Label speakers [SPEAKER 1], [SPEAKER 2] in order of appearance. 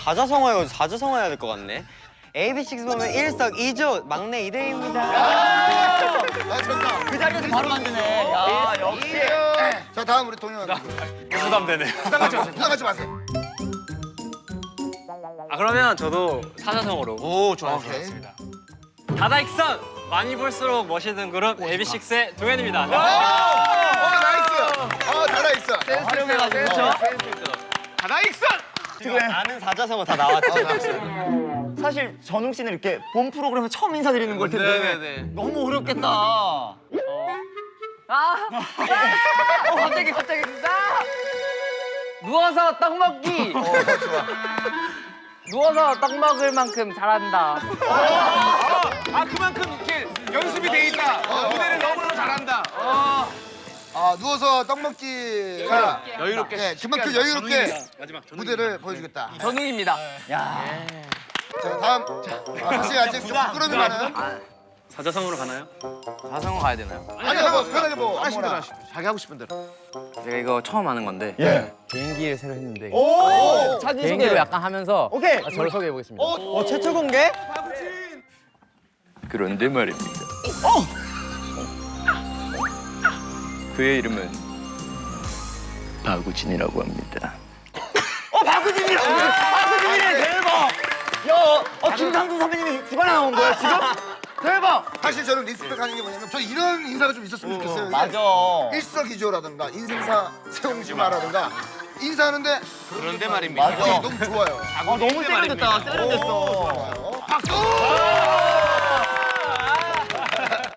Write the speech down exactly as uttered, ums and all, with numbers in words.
[SPEAKER 1] 사자성어요. 사자성어 해야 될 것 같네. 에이비식스 보면 일석이조 막내 이대희입니다.
[SPEAKER 2] 아, 좋다.
[SPEAKER 3] 그 자리에서 바로 만드네. 야, 역시.
[SPEAKER 2] 자, 다음 우리 동현.
[SPEAKER 4] 부담되네.
[SPEAKER 2] 부담 갖지 마세요. 부담 갖지 마세요.
[SPEAKER 4] 아 그러면 저도 사자성어로.
[SPEAKER 2] 오, 좋아. 오케이.
[SPEAKER 4] 좋습니다. 다다익선 많이 볼수록 멋있는 그룹 에이비식스의 동현입니다.
[SPEAKER 2] 오, 나이스. 어, 달아 있어.
[SPEAKER 3] 센스가 센스.
[SPEAKER 4] 다다익선.
[SPEAKER 1] 지금 아는 사자성어 다 나왔지.
[SPEAKER 3] 사실 전웅 씨는 이렇게 본 프로그램에 처음 인사드리는 걸 텐데
[SPEAKER 4] 네네네.
[SPEAKER 3] 너무 어렵겠다. 어. 아, 어, 갑자기 갑자기 아! 누워서 떡 먹기. 누워서 떡 먹을 만큼 잘한다.
[SPEAKER 4] 아 그만큼 이렇게 연습이 돼 있다. 무대를 너무너무 잘한다.
[SPEAKER 2] 아, 누워서 떡 먹기가
[SPEAKER 4] 여유롭게.
[SPEAKER 2] 네, 그만큼 여유롭게
[SPEAKER 4] 마지막
[SPEAKER 2] 무대를 보여주겠다.
[SPEAKER 3] 전웅입니다. 야,
[SPEAKER 2] 자, 다음. 아, 사실 아직 좀 부끄러움이 많아요.
[SPEAKER 4] 사자성어로 가나요?
[SPEAKER 5] 사자성어 가야 되나요?
[SPEAKER 2] 아니요, 뭐 편하게 뭐
[SPEAKER 4] 하시는 대로
[SPEAKER 2] 아무거나.
[SPEAKER 4] 하시죠. 자기 하고 싶은 대로.
[SPEAKER 5] 제가 이거 처음 하는 건데
[SPEAKER 3] 예.
[SPEAKER 5] 비행기를 새로 했는데
[SPEAKER 3] 오, 사진
[SPEAKER 5] 비행기로
[SPEAKER 3] 소개.
[SPEAKER 5] 약간 하면서
[SPEAKER 3] 오케이.
[SPEAKER 5] 아, 저를 소개해 보겠습니다.
[SPEAKER 1] 어, 최초 공개?
[SPEAKER 5] 그런데 말입니다. 그의 이름은 바구진이라고 합니다.
[SPEAKER 3] 어, 박우진이라고. 박우진이래 대박. 야, 어 김상준 선배님이 주가 나온 거야 지금? 대박.
[SPEAKER 2] 사실 저는 리스펙하는 게 뭐냐면 저 이런 인사가 좀 있었으면 좋겠어요. 이게
[SPEAKER 3] 맞아.
[SPEAKER 2] 일석이조라든가 인생사 세용지마라든가 인사하는데
[SPEAKER 4] 그런데 말입니다.
[SPEAKER 2] 맞아. 너무 좋아요.
[SPEAKER 3] 아, 너무 세련됐다. 세련됐어.
[SPEAKER 2] 박수!